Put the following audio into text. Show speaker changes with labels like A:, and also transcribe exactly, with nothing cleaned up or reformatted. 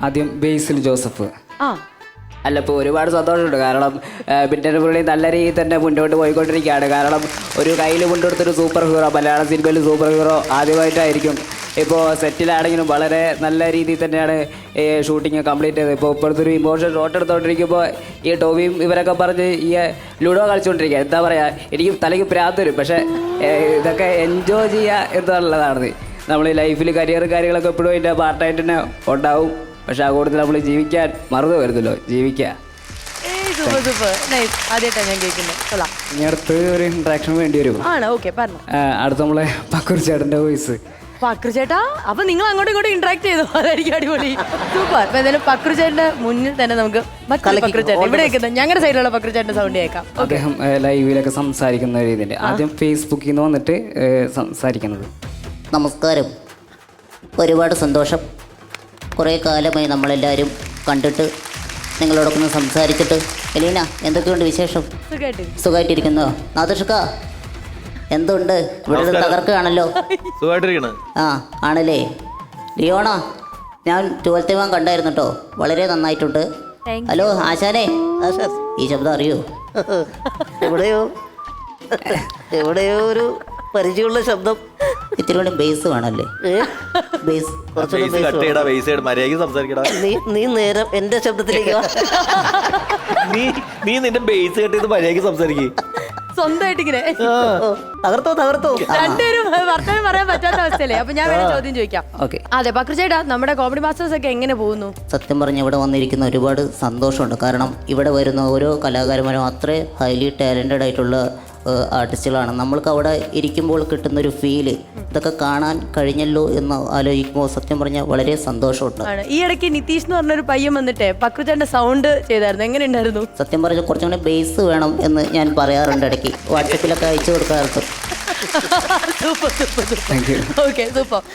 A: ആദ്യം ബേസിൽ ജോസഫ്.
B: ആ
A: അല്ല, ഇപ്പോൾ ഒരുപാട് സന്തോഷമുണ്ട്. കാരണം പിന്നെ പുള്ളി നല്ല രീതിയിൽ തന്നെ മുന്നോട്ട് പോയിക്കൊണ്ടിരിക്കുകയാണ്. കാരണം ഒരു കയ്യിൽ കൊണ്ടുകൊടുത്തൊരു സൂപ്പർ ഹീറോ, മലയാള സിനിമയിൽ സൂപ്പർ ഹീറോ ആദ്യമായിട്ടായിരിക്കും. ഇപ്പോൾ സെറ്റിലാണെങ്കിലും വളരെ നല്ല രീതിയിൽ തന്നെയാണ് ഈ ഷൂട്ടിങ് കംപ്ലീറ്റ് ചെയ്തത്. ഇപ്പോൾ ഇപ്പോഴത്തെ ഒരു ഇമോഷൻ ഷോട്ട് എടുത്തുകൊണ്ടിരിക്കുമ്പോൾ ഈ ടോവിയും ഇവരൊക്കെ പറഞ്ഞ് ഈ ലുഡോ കളിച്ചുകൊണ്ടിരിക്കുക. എന്താ പറയുക, എനിക്ക് തലയ്ക്ക് പ്രാന്ത് വരും. പക്ഷേ ഇതൊക്കെ എൻജോയ് ചെയ്യുക എന്നുള്ളതാണ്. നമ്മൾ ലൈഫിൽ കരിയർ കാര്യങ്ങളൊക്കെ എപ്പോഴും ഇതിൻ്റെ പാർട്ടായിട്ട് തന്നെ ഉണ്ടാവും. പക്ഷെ ആ കൂടുതൽ നമ്മൾ ജീവിക്കാൻ മറന്നു വരുന്നല്ലോ, ജീവിക്കുക. ഇനി അടുത്ത് ഒരു ഇൻട്രാക്ഷൻ വേണ്ടി വരും. അടുത്ത നമ്മളെ പക്കൂർ ചേട്ടൻ്റെ വോയിസ്.
B: പക്രു ചേട്ടാ, അപ്പൊ നിങ്ങൾ അങ്ങോട്ടും ഇങ്ങോട്ടും ഇന്ററാക്ട് ചെയ്തു, അതായിരിക്കും അടിപൊളി. സൂപ്പർ. അപ്പൊ എന്തായാലും പക്രു ചേട്ടന്റെ മുന്നിൽ തന്നെ നമുക്ക് പക്രു ചേട്ടൻ ഇവിടെ വെക്കുന്നത് ഞങ്ങളുടെ സൈഡിലുള്ള പക്രു ചേട്ടന്റെ സൗണ്ട് കേൾക്കാം.
A: അദ്ദേഹം ലൈവിലൊക്കെ സംസാരിക്കുന്ന രീതിയിൽ ആദ്യം ഫേസ്ബുക്കിൽ നിന്ന് വന്നിട്ട് സംസാരിക്കുന്നത്.
C: നമസ്കാരം, ഒരുപാട് സന്തോഷം. കുറേ കാലമായി നമ്മളെല്ലാവരും കണ്ടിട്ട് നിങ്ങളോടൊക്കെ ഒന്ന് സംസാരിച്ചിട്ട്. എലീന, എന്തൊക്കെയുണ്ട് വിശേഷം? സുഖമായിട്ടിരിക്കുന്നോ? നാദർഷക്ക, എന്തുണ്ട്? ഇവിടെ തകർക്കുകയാണല്ലോ. ആ ആണല്ലേ. ലിയോണ, ഞാൻ ട്വൽത്ത് വാൻ കണ്ടായിരുന്നു കേട്ടോ, വളരെ നന്നായിട്ടുണ്ട്. ഹലോ ആശാനെ, ഈ ശബ്ദം അറിയോ?
D: എവിടെയോ എവിടെയോ ഒരു പരിചയമുള്ള ശബ്ദം.
C: ഇത്തിരി കൂടി ബേസ് വേണമല്ലേ? ബേസ്
D: നീ നീ നേരം എന്റെ ശബ്ദത്തിലേക്ക്
E: നീ നീ നിന്റെ ബേസ് കെട്ടിയത് മര്യാദയ്ക്ക് സംസാരിക്കേ.
B: സ്വന്തമായിട്ട് ഇങ്ങനെ
D: തകർത്തോ തകർത്തോ
B: രണ്ടുപേരും വർത്തമാനം പറയാൻ പറ്റാത്ത അവസ്ഥയല്ലേ. അപ്പൊ ഞാൻ വേറെ ചോദ്യം ചോദിക്കാം.
C: ഓക്കെ.
B: അതെ പക്രു ചേട്ടാ, നമ്മുടെ കോമഡി മാസ്റ്റേഴ്സ് ഒക്കെ എങ്ങനെ പോകുന്നു?
C: സത്യം പറഞ്ഞ് ഇവിടെ വന്നിരിക്കുന്ന ഒരുപാട് സന്തോഷമുണ്ട്. കാരണം ഇവിടെ വരുന്ന ഓരോ കലാകാരന്മാരും അത്ര ഹൈലി ടാലൻറ്റഡ് ആയിട്ടുള്ള ആർട്ടിസ്റ്റുകളാണ്. നമ്മൾക്ക് അവിടെ ഇരിക്കുമ്പോൾ കിട്ടുന്നൊരു ഫീല്, ഇതൊക്കെ കാണാൻ കഴിഞ്ഞല്ലോ എന്ന് ആലോചിക്കുമ്പോൾ സത്യം പറഞ്ഞാൽ വളരെ സന്തോഷമുണ്ട്.
B: ഈ ഇടയ്ക്ക് നിതീഷ് എന്ന് പറഞ്ഞൊരു പയ്യൻ വന്നിട്ട് പക്രു ചേട്ടൻ്റെ സൗണ്ട് ചെയ്തായിരുന്നു, എങ്ങനെ ഉണ്ടായിരുന്നു?
C: സത്യം പറഞ്ഞാൽ കുറച്ചും കൂടെ ബേസ് വേണം എന്ന് ഞാൻ പറയാറുണ്ട് ഇടയ്ക്ക്, വാട്സപ്പിലൊക്കെ അയച്ചു കൊടുക്കാറുണ്ട്.
B: Super super super. Okay super.